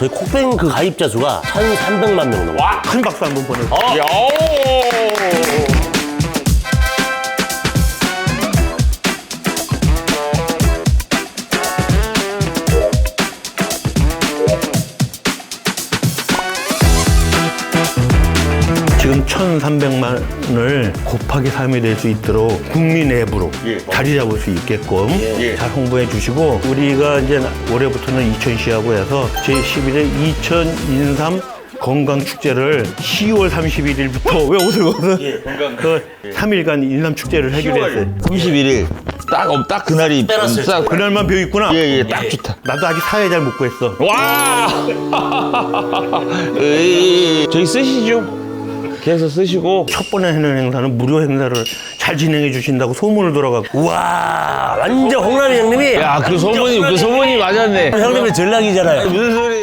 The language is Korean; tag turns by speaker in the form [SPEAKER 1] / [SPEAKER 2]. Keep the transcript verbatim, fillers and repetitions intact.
[SPEAKER 1] 저희 콕뱅 그 가입자 수가 천삼백만 명 넘어요.
[SPEAKER 2] 와, 큰 박수 한번 보내주세요.
[SPEAKER 3] 어. 야.
[SPEAKER 2] 지금 천삼백만을 곱하기 삼이 될 수 있도록 국민 앱으로
[SPEAKER 3] 예.
[SPEAKER 2] 자리 잡을 수 있게끔
[SPEAKER 3] 예.
[SPEAKER 2] 잘 홍보해 주시고, 우리가 이제 올해부터는 이천시하고 해서 제십일 회 이천이십삼 건강축제를 시월 삼십일일부터 왜 옷을 벗어?
[SPEAKER 3] 예, 건강.
[SPEAKER 2] 그 삼 일간 인삼축제를 하기로 했어요.
[SPEAKER 3] 삼십일 일. 딱, 어, 딱 그날이.
[SPEAKER 1] 빼놨어요.
[SPEAKER 3] 딱.
[SPEAKER 2] 그날만 비어 있구나.
[SPEAKER 3] 예, 예, 딱 좋다.
[SPEAKER 2] 나도 아직 사회 잘 못 구했어.
[SPEAKER 3] 와! 에이, 저희 쓰시죠? 계속 쓰시고.
[SPEAKER 2] 첫 번에 하는 행사는 무료 행사를 잘 진행해 주신다고 소문을 돌아가고.
[SPEAKER 1] 우와, 완전 홍남이 형님이.
[SPEAKER 3] 야, 그 소문이, 그 소문이 맞았네.
[SPEAKER 1] 형님의 전략이잖아요.
[SPEAKER 3] 무슨 소리?